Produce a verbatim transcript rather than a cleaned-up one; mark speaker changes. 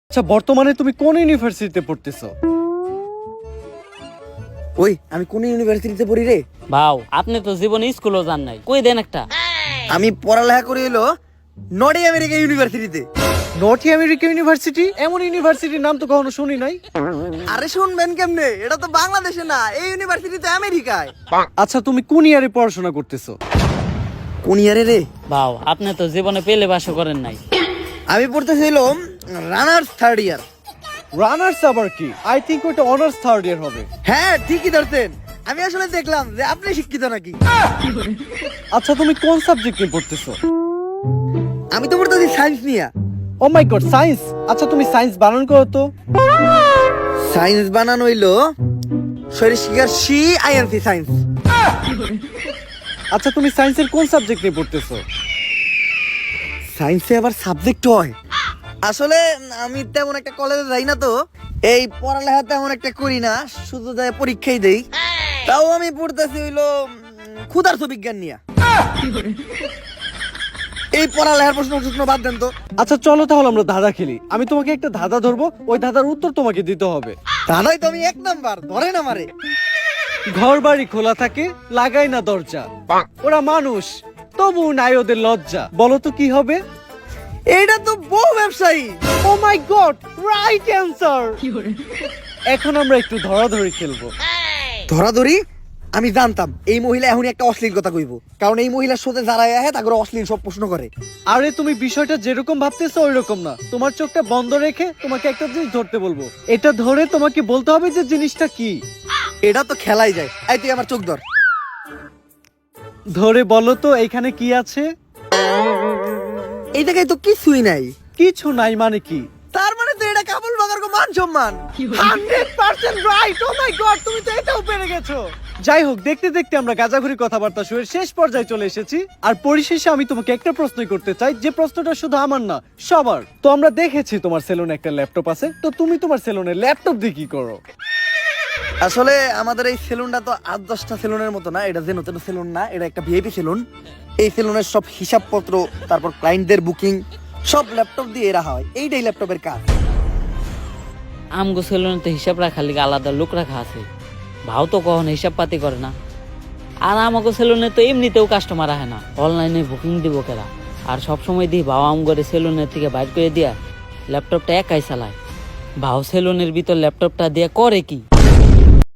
Speaker 1: আচ্ছা বর্তমানে তুমি কোন ইউনিভার্সিটিতে পড়তেছো?
Speaker 2: ওই আমি কোন ইউনিভার্সিটিতে পড়ি রে?
Speaker 3: ভাও আপনি তো জীবনে স্কুলও যান নাই, কই দেন একটা।
Speaker 2: আমি পড়ালেখা করি হলো নর্থ আমেরিকা ইউনিভার্সিটিতে।
Speaker 1: North America university? এমন ইউনিভার্সিটির নাম তো কখনো শুনি নাই।
Speaker 2: আরে শুনবেন কেমনে, এটা তো বাংলাদেশে না, এই ইউনিভার্সিটি তো আমেরিকায়।
Speaker 1: আচ্ছা তুমি কোন ইয়ারে পড়াশোনা করতেছো?
Speaker 2: কোন ইয়ারে রে?
Speaker 3: ভাও আপনি তো জীবনে পেলে বাসও করেন নাই।
Speaker 2: আমি পড়তেছিলাম রানার্স থার্ড ইয়ার।
Speaker 1: রানার্স আবার কি? আই থিংক ওটা অনার্স থার্ড ইয়ার হবে।
Speaker 2: হ্যাঁ ঠিকই ধরতেন, আমি আসলে দেখলাম যে আপনি শিক্ষিত নাকি।
Speaker 1: আচ্ছা তুমি কোন সাবজেক্ট নিয়ে পড়তেছো?
Speaker 2: আমি তো পড়তেছি সায়েন্স নিয়ে।
Speaker 1: Oh my god, science. আচ্ছা তুমি সায়েন্স বানান করো তো।
Speaker 2: সায়েন্স বানানো হইলো শরীর শিকার সি আইএনসি সায়েন্স।
Speaker 1: আচ্ছা তুমি সায়েন্সের কোন সাবজেক্ট নিয়ে পড়তেছো?
Speaker 2: সায়েন্সে আবার সাবজেক্ট হয়? আসলে আমি তেমন একটা কলেজে যাই না, তো এই পড়ালেখা তেমন একটা করি না, শুধু যাই পরীক্ষাই দেই। তাও আমি পড়তেছি হইলো ক্ষুধার্ত বিজ্ঞান নিয়ে। এই পড়ালেখার প্রশ্ন প্রশ্ন বাদ দেন তো।
Speaker 1: আচ্ছা চলো তাহলে আমরা ধাঁধা খেলি। আমি তোমাকে একটা ধাঁধা ধরবো, ওই ধাঁধার উত্তর তোমাকে দিতে হবে।
Speaker 2: দাদাই তো আমি এক নাম্বার, ধরেন আমারে।
Speaker 1: ঘর বাড়ি খোলা থাকে, লাগাই না দরজা, ওরা মানুষ তবু নাই ওদের লজ্জা। বলো তো কি হবে?
Speaker 2: এইটা তো বহু ব্যবসায়ী।
Speaker 1: Oh my god, right answer. এখন আমরা একটু ধরাধরি খেলবো।
Speaker 2: ধরাধরি? আমি জানতাম এই মহিলা এখন একটা অশ্লীল কথা কইব, কারণ এই মহিলার সাথে যারা আহে তাকে অশ্লীল সব প্রশ্ন করে।
Speaker 1: আরে তুমি বিষয়টা যেরকম ভাবতেছো ওই রকম না। তোমার চোখটা বন্ধ রেখে তোমাকে একটা জিনিস ধরতে বলবো, এটা ধরে তোমাকে বলতে হবে যে জিনিসটা কি।
Speaker 2: এটা তো খেলাই যায়। এই তুই আমার চোখ ধর।
Speaker 1: ধরে বলো তো এখানে কি আছে?
Speaker 2: এই জায়গায় তো কিছুই নাই।
Speaker 1: কিছু নাই মানে কি?
Speaker 2: তার মানে তো এটা কাবুল বাগার কো মান সম্মান।
Speaker 1: Hundred percent right. Oh my god, তুমি তো এটাও পেরে গেছো। যাই হোক, দেখতে দেখতে আমরা গাজাঘুরি কথাবার্তা শুয়ে শেষ পর্যায়ে চলে এসেছি। আর পরিশেষে আমি তোমাকে একটা প্রশ্নই করতে চাই, যে প্রশ্নটা শুধু আমার না সবার। তো আমরা দেখেছি তোমার সেলুনে একটা ল্যাপটপ আছে, তো তুমি তোমার সেলুনে ল্যাপটপ দিয়ে কি করো?
Speaker 2: আসলে আমাদের এই সেলুনটা তো আট দশটা সেলুনের মতো না, এটা যেন তেন সেলুন না, এটা একটা ভিআইপি সেলুন। এই সেলুনের সব হিসাবপত্র, তারপর ক্লায়েন্টদের বুকিং সব ল্যাপটপ দিয়ে রাখা হয়। এইটাই ল্যাপটপের কাজ।
Speaker 3: আমগো সেলুনে তো হিসাব রাখার লিগে আলাদা লোক রাখা আছে। ভাও তো কখনো হিসাব পাতি করে না। আর আমাগো সেলুনে তো এমনিতেও কাস্টমার আহে না, অনলাইনে বুকিং দিব কেরা। আর সবসময় দিই ভাও আমগরে সেলুনের থেকে বাইর করে দিয়া ল্যাপটপটা একাই চালায়। ভাও সেলুনের ভিতর ল্যাপটপটা দিয়ে করে কি?